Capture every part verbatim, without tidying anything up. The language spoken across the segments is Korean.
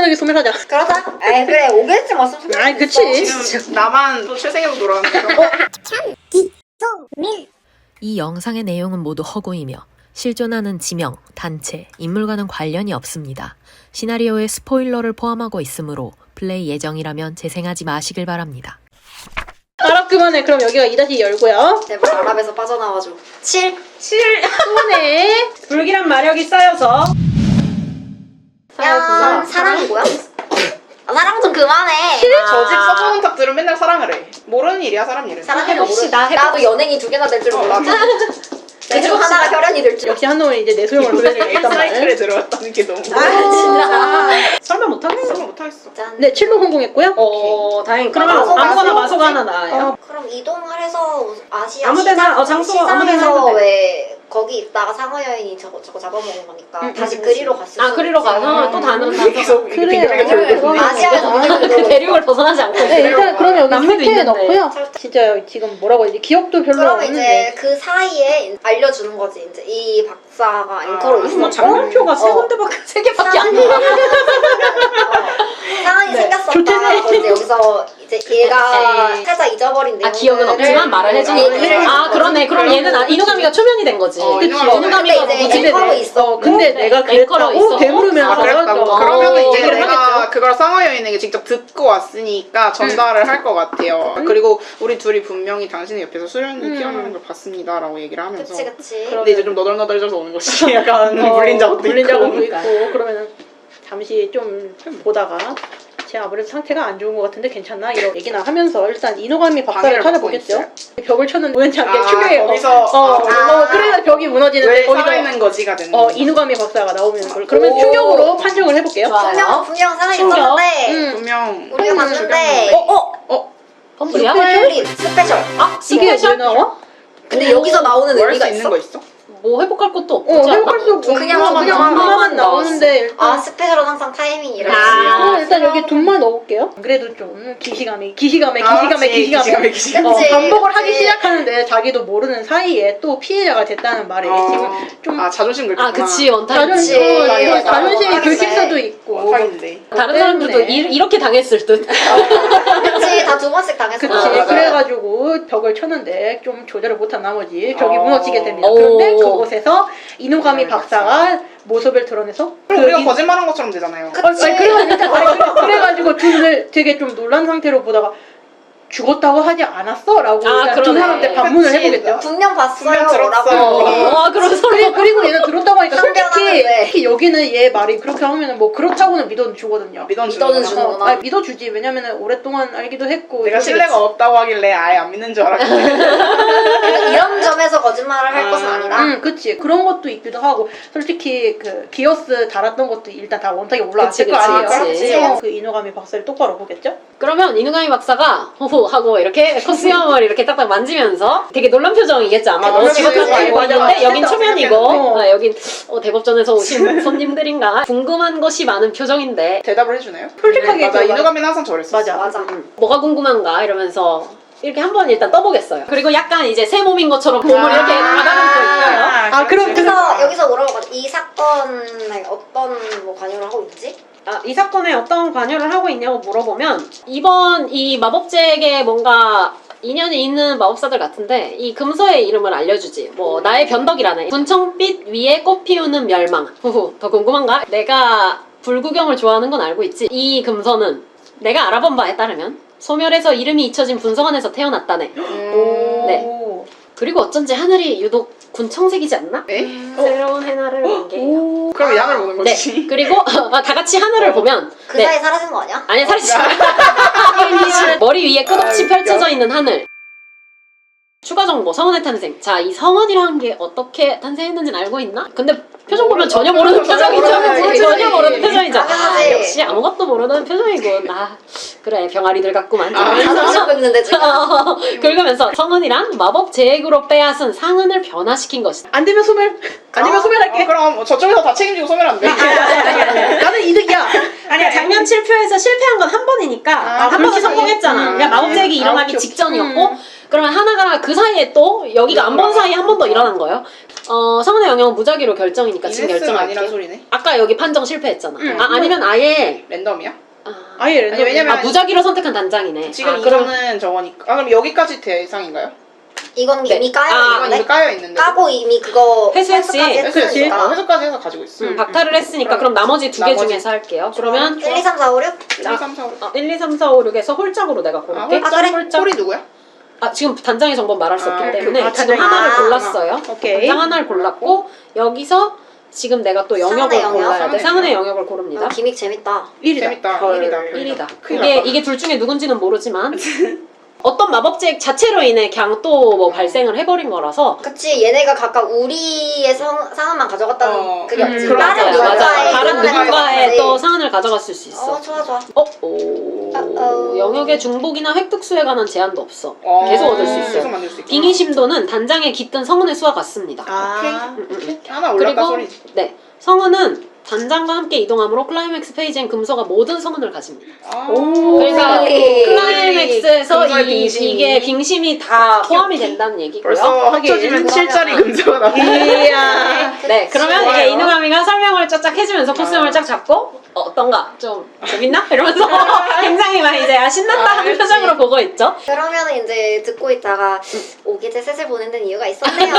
여기 소멸하자. 그러자. 에이 그래 오겠지 맞으면 소멸. 아이 그치. 지금 나만 또 최생에서 돌아왔는데. 이 영상의 내용은 모두 허구이며 실존하는 지명, 단체, 인물과는 관련이 없습니다. 시나리오에 스포일러를 포함하고 있으므로 플레이 예정이라면 재생하지 마시길 바랍니다. 아랍 그만해. 그럼 여기가 이 다시 열고요. 제발 아랍에서 빠져나와줘. 칠. 칠. 그만해. 불길한 마력이 쌓여서 야 사랑이 뭐야? 아, 사랑 좀 그만해. 저 집 서브문 탁들은 맨날 사랑을 해. 모르는 일이야 사람 일은. 사랑해는 해봅시다, 모르. 나도 연예인이 두 개나 될 줄 어, 몰랐지. 나도. 그중 하나가 혈연이 될 줄. 역시 한놈은 이제 내 소용을 보여줘야겠단 사이클에 말이야. 들어갔다는 게 너무. 아 진짜. 설마 못하겠어. 설마 못하겠어. 짠. 네, 칠로 성공했고요. 어 다행. 그러면 마소, 아무거나 마소. 마소가 하나 나와요. 그럼 이동을 해서 아시아 아무데나, 시장, 어, 장소 아무데나 시장에서 해도 돼. 왜 거기 있다가 상어 여인이 저거 저거 잡아먹은 거니까 응, 다시 응, 그리로 갔을 아 수도 그리로 있지. 가서 또 다른 계속 그래요. 빙글빙글 돌고 그래요. 아시아에서 아, 그 대륙을 벗어나지 않고 네, 일단 그럼 여기 남미도 설태에 있는데. 넣고요. 진짜 지금 뭐라고 해야 지 기억도 별로 그럼 이제 없는데. 그 사이에 알려주는 거지. 이제 이 박사가 앵커로 아, 있었고 장난표가 세 어. 군데밖에 세 개밖에 안 나와. 어, 상황이 네. 생겼었다. 좋대네. 그래서 이제 여기서 이제 얘가 에이. 살짝 잊어버린 내용. 아 기억은 없지만 말을 해주니까. 얘기를 아 그러네. 그럼 얘는 아, 이누가미가 초면이 된 거지. 어, 그치. 이누가미가 이누가미가 근데 이제 뭐지? 앵커로 네. 있었고. 어, 근데 네. 내가 앵커로 그랬다고 있었고. 되물으면서 아 그랬다고? 또, 그러면은 어, 이제 얘기를 내가 하겠죠. 그걸 상어 여인에게 직접 듣고 왔으니까 전달을 할 것 같아요. 그리고 우리 둘이 분명히 당신의 옆에서 수련이 음. 피어나는 걸 봤습니다 라고 얘기를 하면서 그치 그치. 근데 이제 좀 너덜너덜해져서 오는 것이 약간 어, 물린 자국도 물린 있고 자국도 있고 그러면은 잠시 좀 보다가 제 아무래도 상태가 안 좋은 것 같은데 괜찮나? 이런 얘기나 하면서 일단 이노가미 박사를 방해를 찾아보겠죠. 받고 벽을 쳤는데 우연치 않게 아, 충격해요. 거기서 어, 아, 어, 그래서 벽이 무너지는데 왜 거기서 살아있는 거지가 되는 어, 이누가미 박사가 나오면 걸 그러면 오. 충격으로 판정을 해볼게요. 좋아요. 분명 분명 상황이 충격. 있었는데 음. 분명 우리가 봤는데 어 어. 어? 펌플이야? 폴립 스페셜. 아 이게 왜 스페셜? 나와? 근데 여기서 나오는 뭐 할 의미가 수 있는 있어? 거 있어? 뭐 회복할 것도 어, 없지 않나? 회복할 수 없고 그냥 그냥 그냥 하나만 나오는데 일단 아 스페셜은 항상 타이밍이라. 아. 그럼 일단 여기 돈만 넣을게요. 그래도 좀 기시감이 기시감에 아, 기시감에 그치. 기시감에 기시감에 기시감에. 어, 그치, 반복을 하기 그치. 시작하는데 자기도 모르는 사이에 또 피해자가 됐다는 말이 지금 어, 좀 아 자존심 긁혔구나. 아 그치 원타임. 자존심, 그치. 어, 맞아, 예, 맞아. 자존심이 맞아. 긁힐 수도 있고 원타임인데. 다른 사람들도 때문에. 이, 이렇게 당했을 듯. 그치 다 두 번씩 당했어. 그치 아, 맞아요. 그래가지고 벽을 쳤는데 좀 조절을 못한 나머지 벽이 어. 무너지게 됩니다. 오. 그런데 그곳에서 이누가미 음, 박사가 모습을 드러내서 그럼 그 우리가 이- 거짓말한 것처럼 되잖아요. 어, 아니, 그래가지고, 아니, 그래- 그래가지고 둘을 되게 좀 놀란 상태로 보다가 죽었다고 하지 않았어? 라고 아, 일단 두 그러네. 사람한테 반문을 그치. 해보겠죠. 분명 봤어요. 분명 들었어. 라고. 와 그럼 서로 그리고, 그리고 얘는 들었다고 하니까 솔직히, 상견하는데. 특히 여기는 얘 말이 그렇게 하면은 뭐 그렇다고는 믿어주거든요. 믿어주는 믿어는 거나. 주는 어, 거나. 아니, 믿어주지. 왜냐면은 오랫동안 알기도 했고. 내가 그치, 신뢰가 없다고 하길래 아예 안 믿는 줄 알았거든. 그러니까 이런 점에서 거짓말을 할 아. 것은 아니다. 응, 그치. 그런 것도 있기도 하고, 솔직히 그 기어스 달았던 것도 일단 다 원탁에 올라왔을 그치, 거 그치, 아니에요. 그치. 그래서 그 이노가미 박사를 똑바로 보겠죠? 그러면 이누가미 박사가 호호 하고 이렇게 코스염을 이렇게 딱딱 만지면서 되게 놀란 표정이겠죠 아마. 아, 너무 그치, 죽었다고 그치. 알고 맞아, 있는데 맞아. 여긴 초면이고 어. 아, 여긴 어, 대법전에서 오신 손님들인가 궁금한 것이 많은 표정인데 대답을 해주나요? 솔직하게 맞아 들어가. 이누가미는 항상 저랬어. 맞아. 맞아. 뭐가 궁금한가 이러면서 이렇게 한번 일단 떠보겠어요. 그리고 약간 이제 새 몸인 것처럼 몸을 아. 이렇게 가다듬고 있어요. 아, 그럼- 그래서 여기서 물어보거든. 이 사건에 어떤 뭐 관여를 하고 있지? 아, 이 사건에 어떤 관여를 하고 있냐고 물어보면 이번 이 마법제에게 뭔가 인연이 있는 마법사들 같은데 이 금서의 이름을 알려주지. 뭐 나의 변덕이라네. 분청빛 위에 꽃 피우는 멸망. 후후. 더 궁금한가? 내가 불구경을 좋아하는 건 알고 있지. 이 금서는 내가 알아본 바에 따르면 소멸해서 이름이 잊혀진 분성안에서 태어났다네. 오. 네. 그리고 어쩐지 하늘이 유독 군청색이지 않나? 에? 새로운 해나를 본 게. 오. 그럼 양을 보는 네. 거지. 그리고 아, 다 같이 하늘을 보면 그 네. 사이에 사라진 거 아니야? 아니야 살이 찌 머리 위에 끝없이 아, 펼쳐져 있는 하늘. 추가 정보 성원의 탄생. 자, 이 성원이라는 게 어떻게 탄생했는지는 알고 있나? 근데 표정 보면 전혀 모르는 전혀 표정이죠. 모르는 전혀 표정이지. 모르는 표정이죠. 아, 당연하지. 역시 아무것도 모르는 표정이군. 아, 그래 병아리들 같구만. 아, 자존심 긁는데 지금. 어, 긁으면서 성은이란 마법 제액으로 빼앗은 상은을 변화시킨 것이다. 안 되면 소멸. 아니면 어. 소멸할게. 어, 그럼 저쪽에서 다 책임지고 소멸하면 돼. 나는 이득이야. 아니야 작년 칠 표에서 실패한 건 한 번이니까 아, 한 번은 그렇지. 성공했잖아. 음. 그러니까 마법 제액이 아, 일어나기 오케이, 오케이. 직전이었고 음. 그러면 하나가 그 사이에 또 여기가 안 본 사이에 한 번 더 일어난 거예요. 어, 성은의 영역은 무작위로 결정이니까 지금 이네스가 아니란 결정할게요. 소리네. 아까 여기 판정 실패했잖아. 응. 아, 아니면 아예 랜덤이야? 아, 아예 랜덤. 왜냐면 아, 무작위로 선택한 단장이네. 지금 아, 이거는 저거니까. 아 그럼 여기까지 대상인가요? 이건 네. 이미 까여 아, 이건 있는데 이미 까여 있는데. 까고 이미 그거 회수했지. 회수까지 회수했지. 했으니까. 어, 회수까지 해서 가지고 있어. 음, 박탈을 했으니까 그럼 나머지 두 개 나머지- 중에서 할게요. 그러면 일, 이, 삼, 사, 오, 육 일, 이, 삼, 사, 오. 어, 일, 이, 삼, 사, 오, 육에서 홀짝으로 내가 아, 고를게. 홀짝? 그래? 홀짝. 홀이 누구야? 아, 지금 단장의 정보는 말할 수 아, 없기 오케이. 때문에 아, 지금 단장이- 하나를 아, 골랐어요. 오케이. 단장 하나를 골랐고 여기서 지금 내가 또 영역을 상은의 영역? 골라야 돼. 상은의 상은의 영역? 영역을 고릅니다. 아, 기믹 재밌다. 일이다. 재밌다. 헐, 일이다. 일이다. 큰일 이게 났다. 이게 둘 중에 누군지는 모르지만 어떤 마법책 자체로 인해 그냥 또 뭐 발생을 해버린 거라서 그치 얘네가 각각 우리의 성, 상황만 가져갔다는 어, 그게 음, 없지. 그런 다른 맞아요, 누군가의 맞아요. 누군가의 다른 상황을 누군가의 가져갔지. 또 상한을 가져갔을 수 있어. 어 좋아 좋아. 어? 오. 어-어. 영역의 중복이나 획득수에 관한 제한도 없어. 어, 계속 얻을 수 있어요. 계속 만들 수 있구나. 빙의심도는 단장의 깃든 성은의 수와 같습니다. 아. 음, 음, 음. 하나 올랐다 그리고 소리지. 네, 성은은 단장과 함께 이동하므로 클라이맥스 페이지엔 금소가 모든 성은을 가집니다. 아. 오. 그러니까 오케이. 클라이맥스에서 금소의 이, 빙심이. 이게 빙심이 다 포함이 된다는 얘기고요. 벌써 합쳐지면 하긴. 칠짜리 금소가 나와. 이야. 네, 그러면 좋아요. 이제 이누가미가 설명을 쫙쫙 해주면서 코스염을 아. 쫙 잡고 어, 어떤가? 좀 재밌나? 이러면서 굉장히 막 이제 아, 신난다 아, 하는 그렇지. 표정으로 보고 있죠. 그러면은 이제 듣고 있다가 오기제 셋을 보는 데는 이유가 있었네요.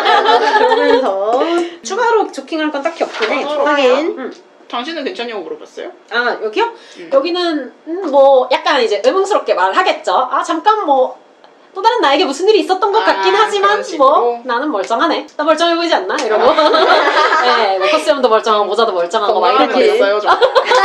그러면서 추가로 조킹할 건 딱히 없긴 해. 어, 확인. 음. 당신은 괜찮냐고 물어봤어요? 아 여기요? 음. 여기는 음, 뭐 약간 이제 의문스럽게 말하겠죠. 아 잠깐 뭐 또 다른 나에게 무슨 일이 있었던 것 아, 같긴 하지만 그런 식으로? 뭐 나는 멀쩡하네. 나 멀쩡해 보이지 않나? 이러고 네, 뭐 코스염도 멀쩡하고 모자도 멀쩡하고 막 건강한 거 이러지. 있어요? 저?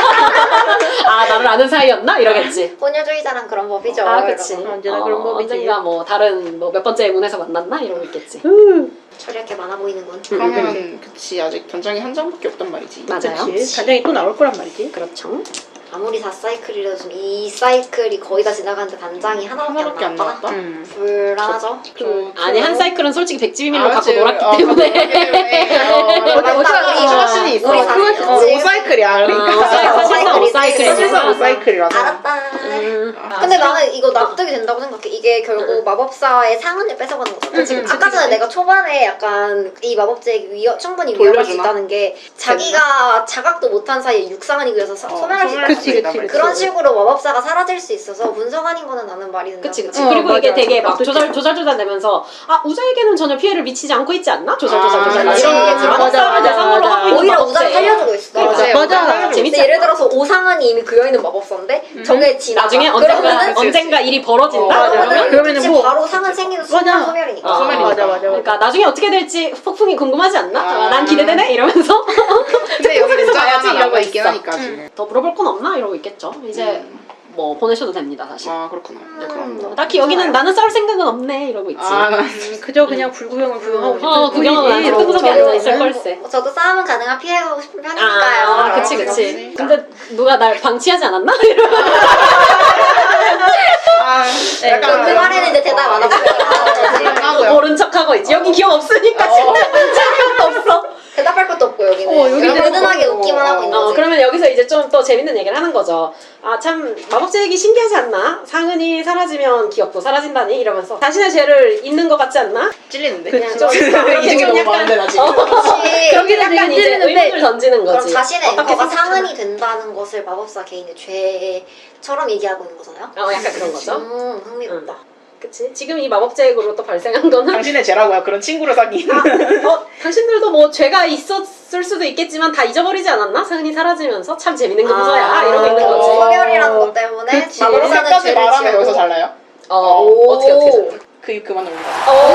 아 나를 아는 사이였나? 이러겠지. 혼혈주의자란 그런 법이죠. 아 그치. 이러고. 언제나 그런 법이지. 언젠가 뭐 다른 뭐 몇 번째 문에서 만났나? 이러고 있겠지. 후. 처리할 게 많아 보이는군. 그러면 그치 아직 단장이 한 장밖에 없단 말이지. 맞아요. 그치. 단장이 또 나올 거란 말이지. 그렇죠. 아무리 사 사이클이라도 좀 이 사이클이 거의 다 지나가는데 단장이 하나밖에, 하나밖에 안 안 나왔다? 나왔다? 음. 불안하죠? 저- 아니 저- 한 사이클은 솔직히 백지비밀로 아, 갖고 그치. 놀았기 어, 때문에. 갖고 놀았기 때문에. 어, 맞다, 맞다. 우리 자신이 있어. 우리 어, 사실- 오사이클이야. 아, 그러니까. 사실상 오사이클이지. 사실상 오사이클이라서. 알았다. 음. 아, 근데 나는 이거 납득이 된다고 생각해. 이게 결국 마법사의 상은을 뺏어가는 거잖아. 그치, 그치, 아까 전에 그치. 내가 초반에 약간 이 마법제에게 위험, 충분히 위험할 수 돌려주나? 있다는 게 자기가 자각도 못한 사이에 육상은이 그래서 서- 어, 소멸할 수 있다. 그치, 그치, 그치. 그런 식으로 마법사가 사라질 수 있어서 분석하는 거는 나는 말이 된다. 그치 그치. 어, 그리고 이게 맞아. 되게 막 어떡해. 조절 조절 조절 되면서 아 우자에게는 전혀 피해를 미치지 않고 있지 않나? 조절 조절 아, 조절 그치. 이런 거겠지. 맞아, 마법사를 맞아, 대상으로 맞아. 하고 있는 오히려 마법제. 우자를 살려주고 있어. 맞아, 맞아요. 맞아. 맞아요. 재밌지 근데 예를 들어서 오상은이 이미 그여있는 마법사인데 저게 지나가. 나중에 언젠가 그러면은 그치, 언젠가 일이 벌어진다. 어, 맞아. 그러면 그러면은 그치, 뭐- 바로 상은 생기는 순간 맞아. 소멸이니까. 어, 소멸이니까. 맞아, 맞아. 그러니까 나중에 어떻게 될지 폭풍이 궁금하지 않나? 아. 아, 난 기대되네 이러면서 근데 여기 속에서 문자가 봐야지 하나 이러고 남아있긴 있어. 하니까 지금. 더 물어볼 건 없나 이러고 있겠죠. 이제 음. 뭐 보내셔도 됩니다 사실. 아 그렇구나. 네, 그럼. 음, 딱히 여기는 나는 싸울 생각은 없네 이러고 있지. 아, 나 음, 그저 그냥 불구경을 구경하고 싶은 어, 구경하고 뿐이지. 나서 이러고. 끄덕끄덕 앉아 있을 걸세. 뭐 저도 싸움은 가능한 피해가고 싶은 편이니까요. 아, 그치, 그치. 그치. 근데 누가 날 방치하지 않았나? 이러고. 아, 네, 약간 그 말에는 이제 대답 안 하고 하고요. 모른 척 하고 있지. 여기 기억 없으니까 어. 진짜 것도 없어. 대답할 것도 없고 여기는. 어, 여기는 그냥 무든하게 없고. 웃기만 하고 있는 어, 거지. 그러면 여기서 이제 좀 또 재밌는 얘기를 하는 거죠. 아, 참, 마법제 얘기 신기하지 않나? 상은이 사라지면 기억도 사라진다니? 이러면서. 자신의 죄를 잊는 것 같지 않나? 찔리는데. 그냥 그치. 좀. 이 중에 너무 많은데 나 지금. 어, 그치. 여기는 약간 이제 찔리는데 의문을 던지는 그럼 거지. 자신의 어떻게 앵커가 생각하나? 상은이 된다는 것을 마법사 개인의 죄처럼 얘기하고 있는 거잖아요. 어, 약간 그런 거죠. 음, 흥미롭다. 그치? 지금 이 마법제액으로 또 발생한 거는 당신의 죄라고요. 그런 친구를 사귀는. 아, 어, 당신들도 뭐 죄가 있었을 수도 있겠지만 다 잊어버리지 않았나? 상은이 사라지면서 참 재밌는 금소야 아, 이러고 있는 어. 거지. 소멸이라는 것 때문에 그치. 마법사는 이렇게까지 죄를 말하면 지우고 여기서 잘나요? 어, 오. 어떻게 어떻게 잘나? 그 입 그만 올리자.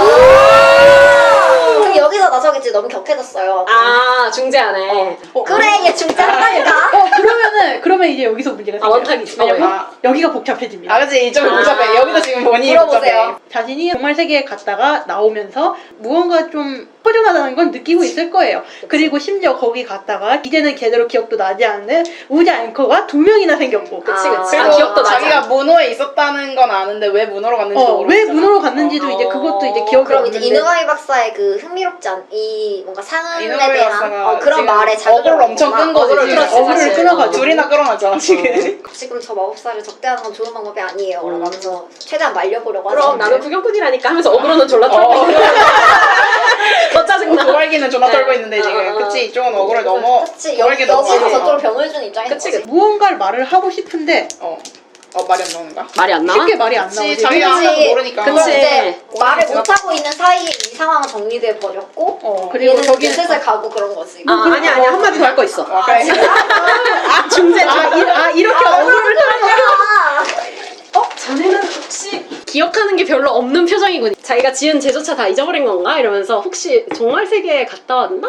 그럼 여기서 나서겠지. 너무 격해졌어요. 아, 중재하네. 그래 얘 중짜한다니까. 어, 그러면은, 그러면 이제 여기서 문제가 아, 생겨요. 원탁이지. 왜냐면 아. 여기가 복잡해집니다. 아 그치 이쪽이 아. 복잡해. 여기도 지금 본인이 물어보세요. 복잡해. 자신이 정말 세계에 갔다가 나오면서 무언가 좀 허전하다는 건 느끼고 있을 거예요. 그리고 심지어 거기 갔다가 이제는 제대로 기억도 나지 않는 우자 앵커가 두 명이나 생겼고. 그치, 아. 그치. 아, 그리고 기억도 나지. 자기가 문호에 있었다는 건 아는데 왜 문호로 갔는지도 어, 모르고 왜 있잖아. 문호로 갔는지도 어. 이제 그것도 이제 기억이 그럼 이제 없는데. 이누가미 박사의 그 흥미롭지 않, 이 뭔가 상은에 이누가미 대한 박사가 어, 그런 지금 말에 자극을 어그를 엄청 끈 거지, 어그를 지금. 끌었지, 어그를 사실. 끌어가지고. 둘이나 끌어가지고 이상하죠 지금. 지금 저 마법사를 적대하는 건 좋은 방법이 아니에요. 음. 라면서 최대한 말려보려고 하죠. 그럼 나는 구경꾼이라니까 하면서 어그로는 졸라 털고 어. 있는 너 짜증나. 도발기는 존나 네. 떨고 있는데 어, 지금. 어, 어. 그치 이쪽은 어그를 넘어. 그치 도발기 여기 여기서 넘어가서. 저쪽으로 병을 주는 입장인 그치, 거지. 그치. 무언가를 말을 하고 싶은데 어. 어 말이 안 나오는가? 말이 안 나와? 쉽게 말이 안 그치 나오지. 자기가 그치. 하나도 모르니까. 그럼 그치. 이제 말을 그치. 못하고 있는 사이에 이 상황은 정리돼 버렸고 어, 그리고 그리고 저기 저기는 슬슬 가고 그런 거지. 아 아니야 아니야 한마디 더 할 거 있어. 어, 그래. 아 중재 아, 이, 아 이렇게 어그로를 어? 자네는 혹시 기억하는 게 별로 없는 표정이군. 자기가 지은 제조차 다 잊어버린 건가? 이러면서 혹시 종말 세계에 갔다 왔나?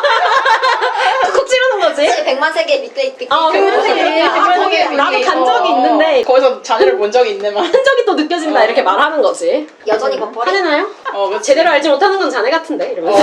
콕 찌르는 거지. 그치, 백만 세계 밑에 있기 아, 백만 세계. 아, 백만 거기 세계. 나도 간 어, 적이 어. 있는데 거기서 자네를 본 적이 있네만. 흔적이 또 느껴진다 이렇게 말하는 거지. 여전히 버퍼리. 화내나요? 어, 그치. 제대로 알지 못하는 건 자네 같은데 이러면서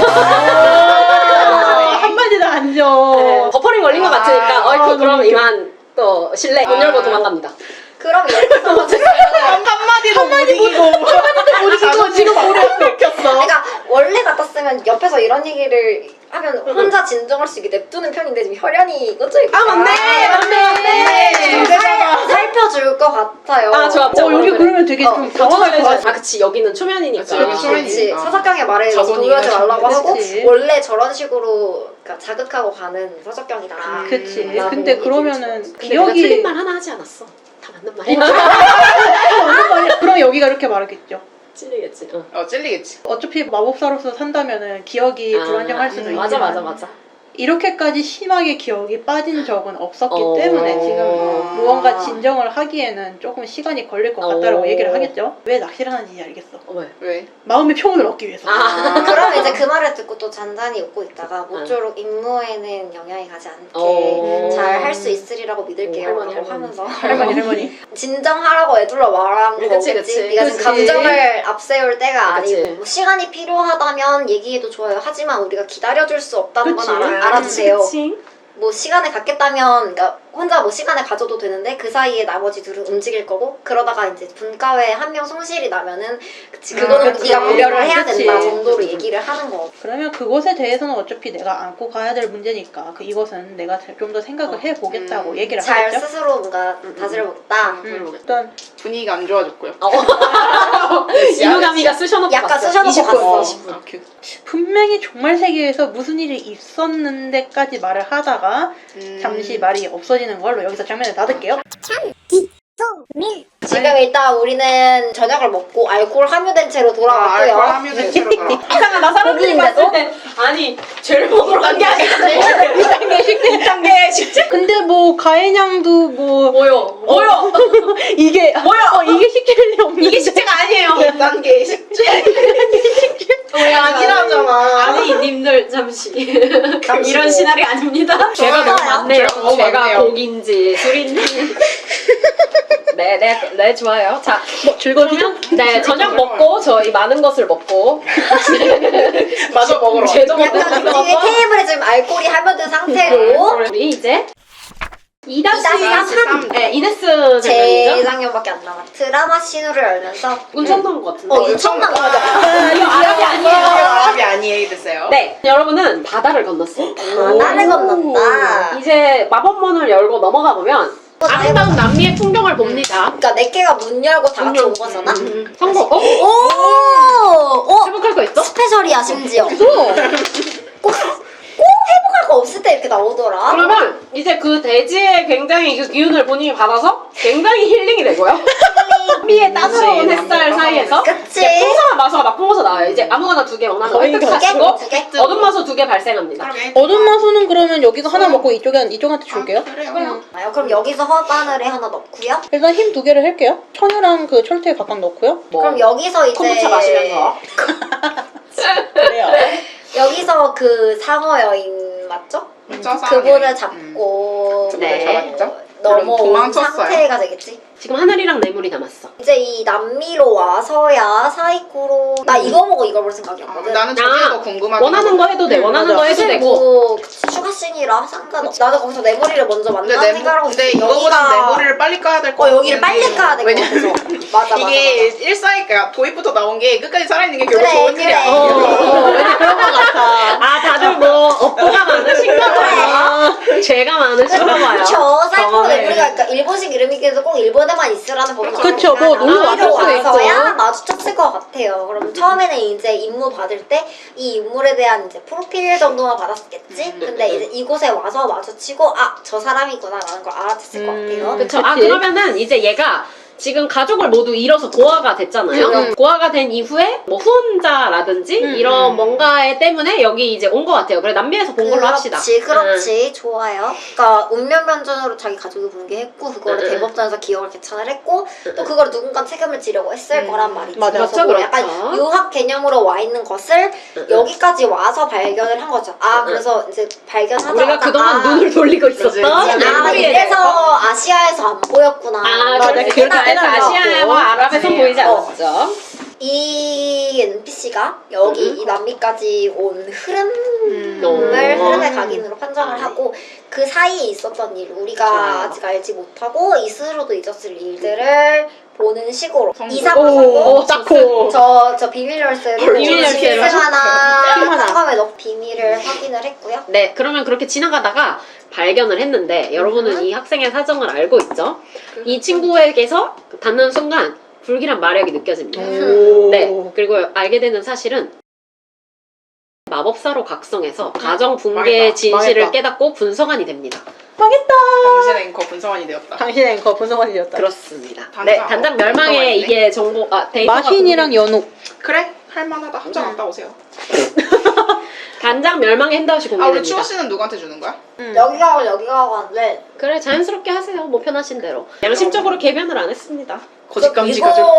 아, 한마디도 안 줘. 네, 버퍼링 걸린 것 아, 같으니까 아, 어이쿠 그럼 너무 이만 또 실내 문 아. 열고 도망갑니다. 그럼 이렇게 써서 한마디도 못 이기고. 한마디도 못 이기고 지금 머리에 뺏겼어. 그러니까 원래 같았으면 옆에서 이런 얘기를 하면 혼자 진정할 수 있게 냅두는 편인데 지금 혈연이 꽂혀 있고 아 맞네 맞네 맞네. 좀 살, 살펴줄 것 같아요. 아 좋아. 어 여기 그러면 되게 어, 좀 당황할 것 같아. 아 그치 여기는 초면이니까. 그치, 여기 초면이니까. 그렇지. 아. 서석경의 말에 자손이가 동요하지 말라고 하고 그치. 원래 저런 식으로 그러니까 자극하고 가는 서석경이다. 음. 그치. 라고 근데 얘기를 그러면은 들었어. 근데 내가 틀린 기억이 말 하나 하지 않았어. 다 맞는 말이야. 아, 그럼 여기가 이렇게 말하겠죠. 찔리겠지. 어. 어 찔리겠지. 어차피 마법사로서 산다면은 기억이 아, 불안정할 수도 음, 있지만 맞아 맞아 맞아. 이렇게까지 심하게 기억이 빠진 적은 없었기 어. 때문에 지금 아. 무언가 진정을 하기에는 조금 시간이 걸릴 것 같다라고 어. 얘기를 하겠죠. 왜 낚시를 하는지 알겠어. 어, 왜? 왜? 마음의 평온을 얻기 위해서. 아. 그러면 이제 그 말을 듣고 또 잔잔히 웃고 있다가 모쪼록 임무에는 영향이 가지 않게 어. 잘 할 수 있으리라고 믿을게요. 오, 할머니, 라고 할머니. 하면서 할머니 할머니. 진정하라고 애둘러 말한 그치, 거겠지. 그치. 네가 그치. 지금 감정을 앞세울 때가 그치. 아니고 뭐 시간이 필요하다면 얘기해도 좋아요. 하지만 우리가 기다려줄 수 없다는 그치. 건 알아, 알아주세요. 그치. 뭐 시간을 갖겠다면 그러니까 혼자 뭐 시간을 가져도 되는데 그 사이에 나머지 둘은 움직일 거고 그러다가 이제 분과에 한 명 손실이 나면은 그치 그거는 아, 그치. 네가 고려를 해야 그치. 된다 정도로 얘기를 하는 거. 그러면 그것에 대해서는 어차피 내가 안고 가야 될 문제니까 그 이것은 내가 좀 더 생각을 해보겠다고 음. 얘기를 잘 하겠죠. 스스로 뭔가 다스려보겠다. 음, 일단 분위기가 안 좋아졌고요. 어. 이누가미가 쑤셔놓고 약간 갔어요. 쑤셔놓고 이십 분. 갔어. 이십 분. 아, 그, 분명히 종말 세계에서 무슨 일이 있었는데까지 말을 하다가 음. 잠시 말이 없어지는 걸로 여기서 장면을 닫을게요. 지금 일단 우리는 저녁을 먹고 알코올 함유된 채로 아, 돌아왔고요. 알코올 함유된 채로 돌아. 이상하다 사람들이 고기인데도? 봤을 때 아니 죄를 먹으러 간 게 아니라 일 단계 식재. 일 단계 식재? 근데 뭐 가해냥도 뭐 뭐요? 뭐요? 이게 뭐야? 어, 이게 식재일 리 없는데 이게 식재가 아니에요. 일 단계 식재. 왜 아니라잖아. 아니 님들 잠시 이런 시나리오 아닙니다. 죄가 너무 좋아요. 많네요. 죄가 너무 죄가 많네요. 고기인지 술인지. 네, 네, 네 좋아요. 자, 뭐 즐거우시죠? 네 저녁 먹고 저희 많은 것을 먹고 마저 먹으러. 죄도 먹고 약간 술도 뒤에 먹고 테이블에 지금 알코올이 함유된 상태로 우리 이제 이 다시 이다시 삼 네, 이네스 장면이죠. 재작년밖에 안 남았. 드라마 신호를 열면서 운천 나온 것 같은데. 어 유청 나온 거죠. 이거 아랍이 아니에요. 아랍이 아니에요 됐어요. 네, 여러분은 바다를 건넜어요. 바다를 건넜다. 이제 마법문을 열고 넘어가 보면 아름다운 남미의 풍경을 봅니다. 그러니까 네 개가 문 열고 다 같이 온 거잖아. 음, 성공. 어? 오, 오, 회복할 거 있어? 스페셜이야 심지어. 꼭, 꼭 회복할 거 없을 때 이렇게 나오더라. 그러면 이제 그 대지의 굉장히 그 기운을 본인이 받아서 굉장히 힐링이 되고요. 남미의 따스러운 그치, 햇살 남미가 사이에서 그치. 이제 풍성한 마수가 막풍어서 나와요. 이제 아무거나 두 개 원하는 거 거의 획득 두 개? 하시고 두 개? 어둠 마수 두 개 발생합니다. 어둠 마수는 그러면 여기서 하나 먹고 이쪽에 이쪽한테 줄게요. 그래요. 아요. 그럼 여기서 허바늘에 하나 넣고요. 일단 힘 두 개를 할게요. 천유랑 그 철퇴 각각 넣고요. 뭐, 그럼 여기서 이제 콤부차 마시면서 그래요. 여기서 그 상어 여인 맞죠? 그분을 잡고 음. 네. 잡았죠? 넘어온 도망쳤어요. 상태가 되겠지. 지금 하늘이랑 뇌물이 남았어. 이제 이 남미로 와서야 사이코로 나 이거 보고 이걸 볼 아, 생각이었거든. 나는 저게 아, 더 궁금하긴 원하는 거 해도 돼. 음, 원하는 맞아. 거 해도 사실 되고. 뭐 추가 씬이라 상관없. 나도 거기서 뇌물이를 먼저 근데, 만나 내, 생각하고 근데 있어. 이거보단 여기가- 내부를 여기를 빨리 까야 될 것 어 같아. 여기를 빨리 까야 될 것 같아서. 맞아 맞아. 이게 맞아. 일사니까 도입부터 나온 게 끝까지 살아있는 게 결국 그래, 좋은 일이 그래. 아니야. 어, 어, 왠지 그런 것 같아. 아 다들 뭐 업보가 많으신가 봐요. 죄가 많으신가 봐요. 저 살포 경험을. 레플리가 그러니까 일본식 이름이기도 꼭 일본에만 있으라는 법이 그쵸, 뭐 놀러 왔을 수도 와서야 있고. 마주쳤을 것 같아요. 그럼 처음에는 이제 임무 받을 때 이 인물에 대한 이제 프로필 정도만 받았겠지. 음, 근데 이제 이곳에 와서 마주치고 아 저 사람이구나라는 걸 알아챘을 음. 것 같아요. 그쵸. 아 그치? 그러면은 이제 얘가 지금 가족을 모두 잃어서 고아가 됐잖아요. 음. 고아가 된 이후에 뭐 후원자라든지 음, 이런 음. 뭔가에 때문에 여기 이제 온 것 같아요. 그래 남미에서 본 걸로 합시다. 그렇지, 그렇지. 좋아요. 그러니까 운명변전으로 자기 가족이 붕괴했고 그거를 응, 응. 대법전에서 기억을 개천을 했고 또 그거를 누군가 책임을 지려고 했을 음. 거란 말이지. 맞아. 그래서 그렇죠, 뭐 그렇죠. 약간 유학 개념으로 와 있는 것을 응, 응. 여기까지 와서 발견을 한 거죠. 아 응, 응. 그래서 이제 발견하자마자 우리가 그동안 아, 눈을 돌리고 있었다. 그치. 아 멜로디에 이래서 대해서. 아시아에서 안 보였구나. 아, 맞아. 그렇지. 그렇게 그래서 해놨고. 아시아와 아랍에서 그치. 보이지 어. 않았죠. 이 엔피씨가 여기 응. 이 남미까지 온 흐름 음. 을 어. 흐름의 각인으로 판정을 아. 하고 그 사이에 있었던 일 우리가 좋아요. 아직 알지 못하고 이 스스로도 잊었을 일들을 보는 식으로 성공. 이사 부 오, 성공 짝코. 저저 비밀 열쇠로 비밀 열쇠를 짐승 하나 짐승 하나. 상검에 넣고 비밀을 확인을 했고요. 네, 그러면 그렇게 지나가다가 발견을 했는데 여러분은 음. 이 학생의 사정을 알고 있죠? 이 친구에게서 닿는 순간 불길한 마력이 느껴집니다. 오. 네, 그리고 알게 되는 사실은 마법사로 각성해서 가정 붕괴의 망했다. 진실을 망했다. 깨닫고 분성환이 됩니다. 당신의 앵커 분성환이 되었다. 당신의 앵커 분성환이 되었다. 그렇습니다. 단장. 네, 단장 어, 멸망에 들어가 있네. 이게 정보 아 데이터가 마신이랑 연옥. 그래? 할만하다. 함정 갔다 오세요. 단장 멸망의 핸드아웃이 아 우리 공개됩니다. 추워 씨는 누구한테 주는 거야? 음. 여기 가고 여기 가고 하는데 그래 자연스럽게 하세요. 뭐 편하신 대로. 양심적으로 개변을 안 했습니다. 거짓감지 이거 가지고.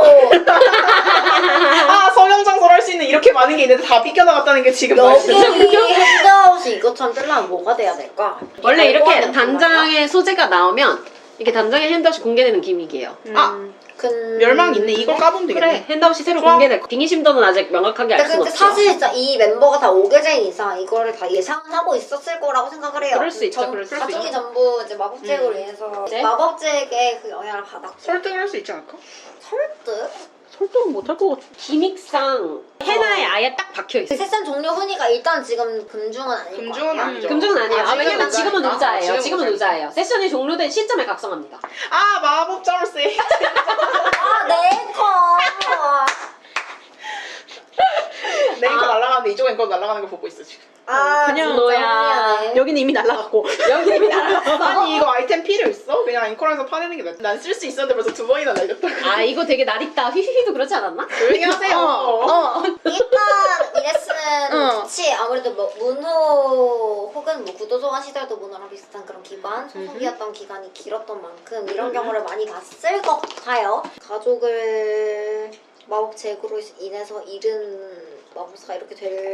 아 성형장소를 할 수 있는 이렇게 많은 게 있는데 다 삐껴나갔다는 게 지금 여기 말이야. 핸드아웃이 이것처럼 뜨려면 뭐가 돼야 될까? 원래 알고 이렇게 하는 단장의 소재가 나오면 이게 단장의 핸드아웃이 공개되는 기믹이에요. 아, 근... 멸망 있네. 이걸 까보면 되겠네. 그래 핸드아웃이 새로 좋아. 공개될 거. 빙의심도는 아직 명확하게 알 근데 수는 근데 없죠. 사실 진짜 이 멤버가 다 오게 된 이상 이거를 다 예상하고 있었을 거라고 생각을 해요. 그럴 수 있죠, 전- 그럴 수 가족이 있죠. 전부 이제 마법제액으로 인해서 네? 마법제액의 그 영향을 받았고 설득을 할 수 있지 않을까? 설득? 설득은 못할 것 같아. 기믹상 헤나에 아예 딱 박혀 있어. 그 세션 종료 훈이가 일단 지금 금중은 아닐 금중은 거예요. 아니죠. 금중은 아니에요. 아, 아직은 왜냐면 지금은 의자니까. 의자예요. 지금은 지금은 의자니까. 의자예요. 세션이 종료된 시점에 각성합니다. 아 마법 자물쇠. 아, 네, 거. 내 앵커 아. 날아가는데 이쪽 앵커 날아가는 거 보고 있어 지금. 아, 그냥 진짜 너야. 훈이하네. 여기는 이미 날라갔고. 여기 이미 날아갔어. 아니 이거 아이템 필요 있어? 그냥 앵커에서 파내는 게 낫지. 난 쓸 수 있었는데 벌써 두 번이나 날렸다. 아 이거 되게 낯익다. 휘휘휘도 그렇지 않았나? 조용히 하세요. 어. 일단 이네스는 어. 그치 아무래도 뭐 문호 혹은 뭐 구도소환 시절도 문호랑 비슷한 그런 기관 소속이었던 기간이 길었던 만큼 이런 경우를 많이 봤을 것 같아요. 가족을 마법 제구로 인해서 잃은 마법사가 이렇게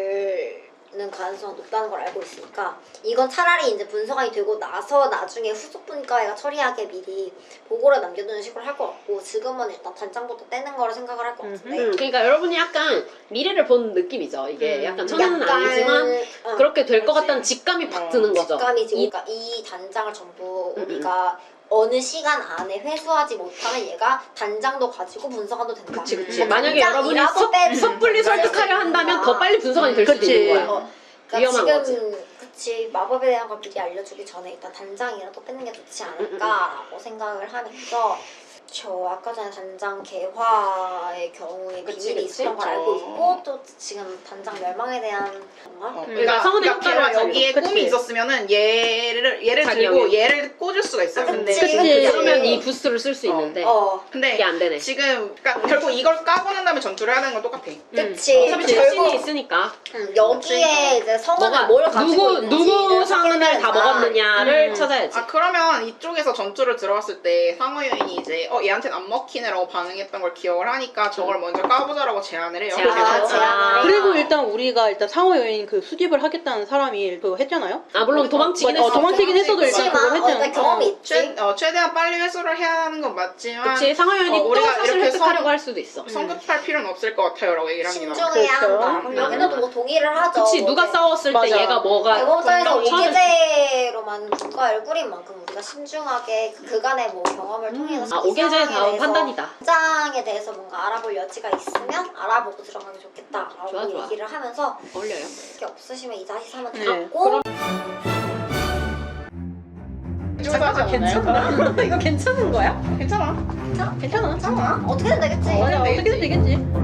되는 가능성이 높다는 걸 알고 있으니까 이건 차라리 이제 분석이 되고 나서 나중에 후속 분과회가 처리하게 미리 보고를 남겨두는 식으로 할 것 같고 지금은 일단 단장부터 떼는 거를 생각을 할 것 같은데 음, 그러니까 여러분이 약간 미래를 본 느낌이죠. 이게 음, 약간 천연은 약간, 아니지만 어, 그렇게 될 것 그렇지. 같다는 직감이 팍 어, 드는 거죠. 직감이지. 이- 그러니까 이 단장을 전부 음, 우리가 어느 시간 안에 회수하지 못하면 얘가 단장도 가지고 분석도 된다. 그치 그치. 음. 만약에 여러분이 단장이라도 섣, 빼- 섣불리 음, 설득하려 한다면 더 빨리 분석이 될 수도 그치. 있는 거야. 어, 그러니까 위험한 지금 그치 마법에 대한 걸 미리 알려주기 전에 일단 단장이라도 빼는 게 좋지 않을까라고 생각을 하면서 저 아까 전에 단장 개화의 경우에 그치, 비밀이 그치. 있었던 걸 알고 어. 있고 또 지금 단장 멸망에 대한 정말 어, 그러니까 성은의 그러니까 효과를 걔가 여기에 그치. 꿈이 있었으면은 얘를 얘를 자기 들고 영역. 얘를 꽂을 수가 있어요. 아, 근데 그치. 그치. 그러면 이 부스를 쓸 수 어. 있는데 어 근데 이게 안 되네. 지금 그러니까 결국 이걸 까고 난 다음에 전투를 해야 되는 건 똑같아. 그치 어차피 그치. 자신이 있으니까 음, 여기에 이제 성은을 뭐가 뭘 가지고 누구 있는지를 누구 상은을 다 확인해야 먹었느냐를 음. 찾아야지. 아 그러면 이쪽에서 전투를 들어갔을 때 상어 여인이 이제 어 얘한테는 안 먹히네라고 반응했던 걸 기억을 하니까 저걸 먼저 까보자라고 제안을 해요. 제안을 아, 하죠. 제안을 해요. 그리고 일단 우리가 일단 상호 여인 그 수집을 하겠다는 사람이 그거 했잖아요. 아 물론 도망치긴 어, 했어. 도망치긴 했어도 일단 그치만 그걸 어, 일단 했잖아. 경험이 있지 최, 어, 최대한 빨리 회수를 해야 하는 건 맞지만 그치 상하연이 어, 또 우리가 사실 이렇게 획득하려고 성- 할 수도 있어. 성급할 필요는 없을 것 같아요라고 얘기를 합니다. 신중해야 그렇죠. 한다. 그럼 여기서도 뭐 동의를 하죠. 그치 뭐 누가 이제 싸웠을 맞아. 때 얘가 뭐가 대법원장에서 분명 처음에- 오기제 단계로만 국가를 꾸린 만큼 우리가 신중하게 그 그간의 뭐 경험을 통해서 아, 이 오개제의 상황에 다음 대해서 판단이다. 현장에 대해서 뭔가 알아볼 여지가 있으면 알아보고 들어가면 좋겠다라고 좋아, 좋아. 얘기를 하면서 어울려요. 그게 없으시면 이 다시 삼은 네. 닫고 잠깐만 괜찮나? 이거 괜찮은 거야? 괜찮아. 괜찮아? 괜찮아. 괜찮아? 어떻게든 되겠지. 맞아, 되겠지. 어떻게든 되겠지.